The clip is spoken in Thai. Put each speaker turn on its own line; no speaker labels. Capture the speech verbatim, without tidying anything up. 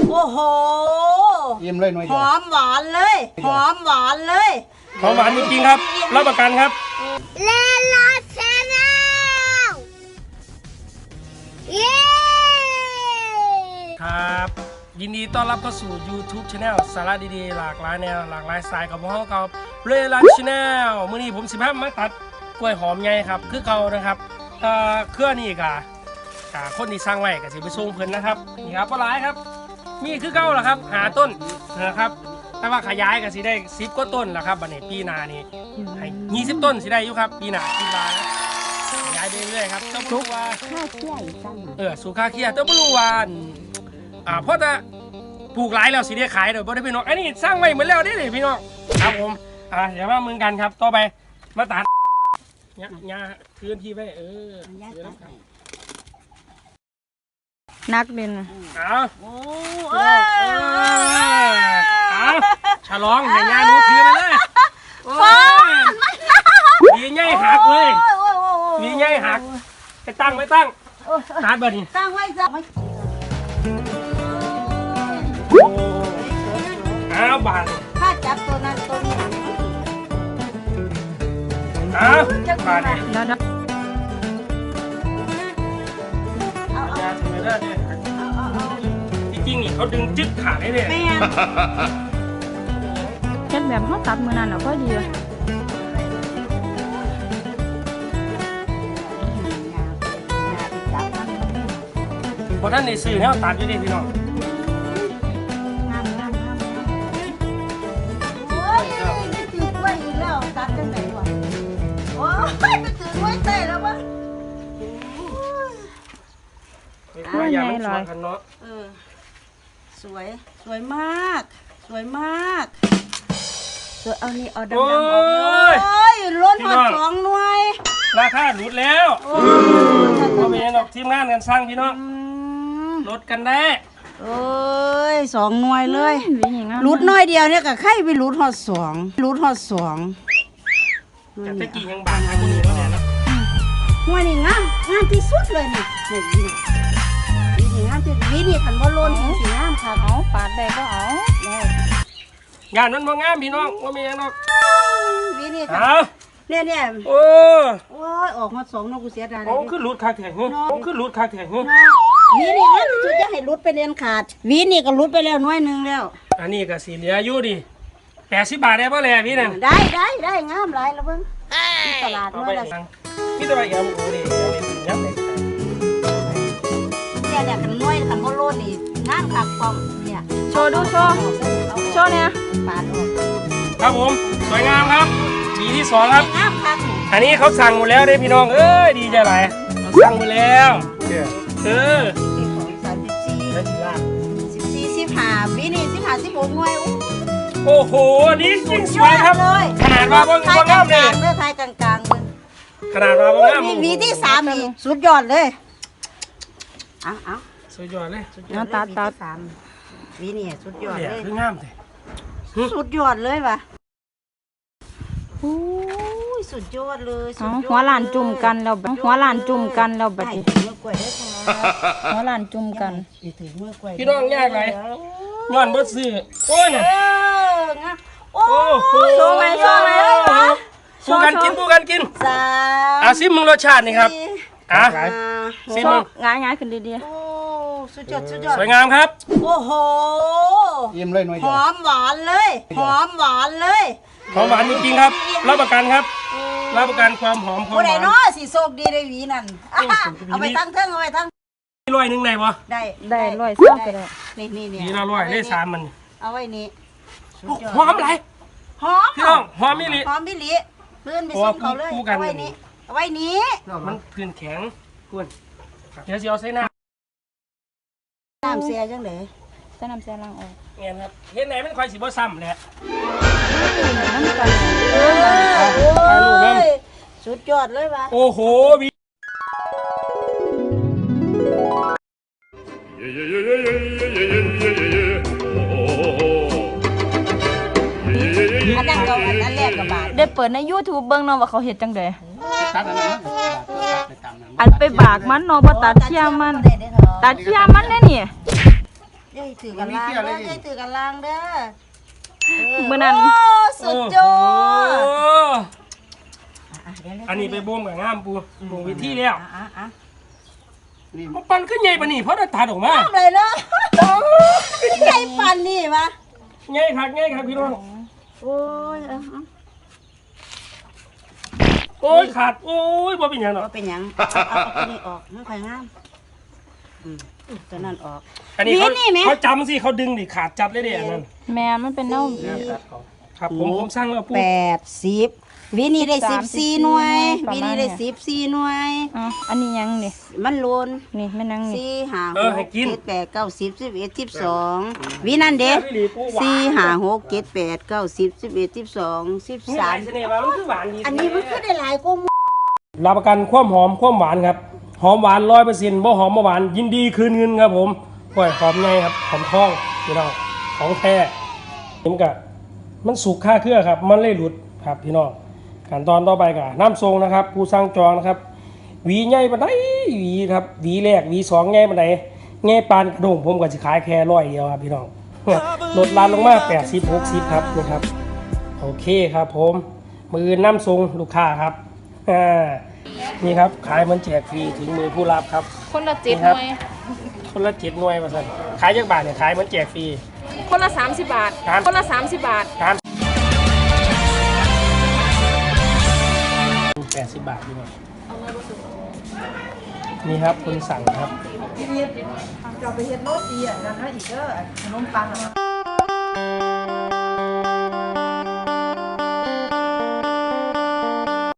โอ้โห
อิ่มเลยหน่อย
หอมหวานเลยหอมหวานเลย
หอมหวานจริงๆครับรับประกันครับ
เลลาแชนแนลเย้
ครับยินดีต้อนรับเข้าสู่ YouTube Channel สาระดีๆหลากหลายแนวหลากหลายสไตล์กับพวกเรากับเรลัน Channel มื้อนี้ผมสิบห้ามาตัดกล้วยหอมใหญ่ครับคือเก่านะครับเอ่อเครือนี่กะกะคนที่สร้างไว้ก็สิไปส่งเพิ่นนะครับนี่ครับบ่หลายครับมีคือเก่าล่ะครับหาต้นนะครับแต่ว่าขยายก็สิได้สิบกว่าต้นแล้วครับบัดนี้ปีหน้านี่ให้ยี่สิบต้นสิได้อยู่ครับปีหน้าปีหน้าขยายไปเรื่อยๆครับเจ้าบ่รู้ว่าค่าเคี่ยอีกซั่นเออสู่ค่าเคี่ยเจ้าบ่รู้ว่าอ่าเพราะแต่ปลูกหลายแล้วสิได้ขายเดี๋ยวบ่ได้พี่น้องอันนี้สร้างไว้เหมือนแล้วนี่พี่น้องครับผมอ่าเดี๋ยวมามึงกันครับต่อไปมาตัดเนี่ยยาพื้นที่ไว้เออ
นักเด่น
เอาโอ้เออเอาฉลองให้ยาหนูถือไปเลยวีใหญ่หักเลยวีใหญ่หักไปตั้งไปตั้งตัดเบอร์นี่
ตั้งไว้จ้ะ
เอาบาน
ถ้าจับตัวนั้นตัวนี้
เอาบานนี่
แล้วนะ
เอายาถือได้เนี่ยจริงๆนี่เขาดึงจึ๊กขาดได้เลย
เฮ็ดแบบเขาตัดมือนั่นอ่ะก็ดี
พอท่านในสื่อเนี่ยตัดอยู่ดิพี่น้อง
โอ้ยไม่ถือกล้วยอีกแล้วตัดจังไหนวะโอ้ยไม่ถือกล้วยเต้แล้วมั้ง
กล้วยยามันสวยกันเนาะ
เออสวยสวยมากสวยมากสวยเอานี่เอาดำๆออกเลยโอ้ยล้นหอดสองหน่วย
ราคาหลุดแล้วเราเป็นดอกทีมงานกันสร้างพี่น้องลดกันได้
โอ้ยสองหน่วยเลยรูดน้อยเดียวเนี่ยกับไข่ไปรูดหอดสองรูดหอดสอง
แต่ตะกี้ยังบางทางคนอื่นก็แน่นะ
หน่วยนี่งามงามที่สุดเลยนี่นี่นี่นี่งามที่นี่นี่ขันบอลลูนสีงามค่ะ
เอาปาดได้ก็เอา
งานมันบ่งามพี่น้องว่ามีอย่างนอก
นี่นี่
ค่ะ
เนี่ยเนี่ย
โอ้
โอ้ยออกมาสองนกกูเสียดายเลย
โอ้ขึ้นรูดคาแข็งโอ้ขึ้นรูดคาแข็ง
วีนี่งั้นจุดจะให้รุดไปเรียนขาดวีนี่ก็รุดไปแล้วน้อยนึงแล้ว
อันนี้ก็สีเหลืออยู่ดิแปดสิบบาทได้ป่ะเลยพี่นั่น
ได้ได้ได้งามหลายแล้วเพิ่งตลาดน้อยละ
พี่ตลาดเอ็มโอ้ดิยับเลย
เนี่ยเนี่ยขันน้อยขันโมโลนี่งามขักปอมเนี่ย
โชว์ดูโชว์โชว์เนี่ย
ปาดออก
ครับผมสวยงามครับปีที่สองครับ
งามครับ
อันนี้เขาสั่งหมดแล้วเด้พี่น้องเอ้ยดีใจหลายสั่งหมดแล้วเออ
สามสิบสี่สิบสี่สิบห้าปีนี้สิบห้าสิบหกหน่วย
โอ้โหนี่จริงสวยครับขนาดว่าบางบางงามเลย
เลือดไทยกลางๆเลย
ขนาดว่าบางงาม
วีที่สามนี่สุดยอดเลยเอาเอา
สุดยอดเลย
น้ำตาตา
สามวีนี่สุดยอดเลย
คืองามเลย
สุดยอดเลยว่ะโอ้ยสุดยอดเลย
หัวหลานจุ่มกันแล้วหัวหลานจุ่มกันแล้วบัดนี้หัวหลานจุ่มกัน
พี่น้องยากไรย้อนบ่ซื้อโอ้ยเนี่ย
โอ้โห
โชว์ไหมโชว์ไหม
ปูกันกินปูกันกินอาซิมมึงรสชาตินี่ครับอ่ะซิมมึง
ง่ายง่ายขึ้นดี
ๆโอ้สุดยอดสุดยอด
สวยงามครับ
โอ้โห
อิ่มเลยหน่อย
หอมหวานเลยหอมหวานเลย
หอมหวานจริงๆครับรับประกันครับรับประกันความหอมความหวาน
ผู้ใดเนาะสิโชคดีได้หวีนั่นเอาไปตั้งเทิงเอาไปตั้ง
ร้อยหนึ่งไหนวะ
ได้
ได้ร้อยเท่ากันเลย
นี่นี่นี่
นี่เราร้อยได้สามมัน
เอาไว้นี่
หอมอะไร
หอม
พี่น้องหอมมิลิ
หอมมิลิเลื่อนไปส่งเขาเลยเอาไว้นี่เอาไว้นี้
มันพื้นแข็งคุณเดี๋ยวจะเอาใส่น้
ำน้ำเสียจังเลย
ใส่น้ำเสียล้างออก
เงี้ยครับเห็นไหนมันคอยสีบ่ซ้ำแหละ
สุดยอดเลยว่ะ
โอ้โหวี
อันนั้นก็อันแรกกับบาท
ได้เปิดใน YouTube เบิ่งเนาะว่าเขาเฮ็ดจังได๋อันไปบากมันเนาะบ่ตัดเชี่ยมันตัดเชี่ยมันแน่นี่
ย่าถือกันล่างเด้ออย่าถือกันล่างเด้อ
มื้อนั้น
โอ้สุดยอด
โอ้
อ่ะเดี๋ยวๆ
อันนี้ไปบ่มกับงามปูบ่มวิธีแล้ว
อ่ะอ่ะอ่ะ
นี่
มันปั่นขึ้นใหญ่ปะนี่เพราะได้ตัดออกมา
ทำเลยเนาะใหญ่ปันนี่วะ
ใหญ่คักใหญ่ครับพี่น้อง
โอ้ยเอาเอา
โอ้ยขาดโอ้ยบ่เป็นหยังหรอก
เอาเป็นหยังเอาเอาเอาตัวนี้ออกมันค่อยงามอืมตัวนั้นออก
อันนี้เขา
นี่ไหม
เขาจำสิเขาดึงดิขาดจัดเลยเด้อันนั้น
แม่มันเป็นเน่า
ครับผมผมสร้างแล้วปู
แปดสิบวินี่ได้สิบสี่หน่วย
ประ
วิ
มาณ
นี่
เนี่
ได้
ย
สิบสี่หน่วย
อ๋ออันนี้ยังนี่
มันโลน
นี่แม่นางนี่
สี่ห้าห
เออก ให้กิน
เจ็ดแปดเก้าสิบสิบเอ็ดสิบสองวินั่นเด้
พี่หลีปูหวาน
สี่ห้าหกเจ็ดแปดเก้าสิบสิบเอ็ดสิบสองสิบ
นี่ห
สา
ลาม ยเสน่ห์ว่ามันคือหวานดี
อันนี้มันก็ได้หลายกว่าหมู่
รับประกันความหอมความหวานครับหอมหวานร้อยเปอร์เซ็นต์บ่หอมบ่หวานยินดีคืนเงินครับผมกล้วยหอมไงครับหอมทองพี่น้องของแท้เห็นกะมันสุกค่าเครือครับมันเลยหลุดครับพี่น้องขั้นตอนต่อไปกะน้ำทรงนะครับผู้สร้างจองนะครับหวีใหญ่ปานใดหวีครับหวีแรกหวีสองใหญ่ปานใดใหญ่ปานกระโดงผมก็สิขายแค่ร้อยเดียวครับพี่น้อง ลดร้านลงมาแปดสิบ หกสิบครับนี่ครับโอเคครับผมมือน้ำทรงลูกค้าครับอ่านี่ครับขายเหมันแจกฟรีถึงมือผู้รับครับ
คนละเจ็ด
นี่
ห
ครับ
น่วย
คนละเจ็ดหน่วยมาสั่นขายจักบาทเนี่ยขายเหมันแจกฟรี
คนละสามสิบบาท
ครับ
คนละสามสิบบาท
ครับแปดสิบบาทดีกว่านี่ครับคนสั่งครับ
จะไปเฮ็ดโรตีอ่ะนั่นนะอีกเด้อขนมปังอ่ะ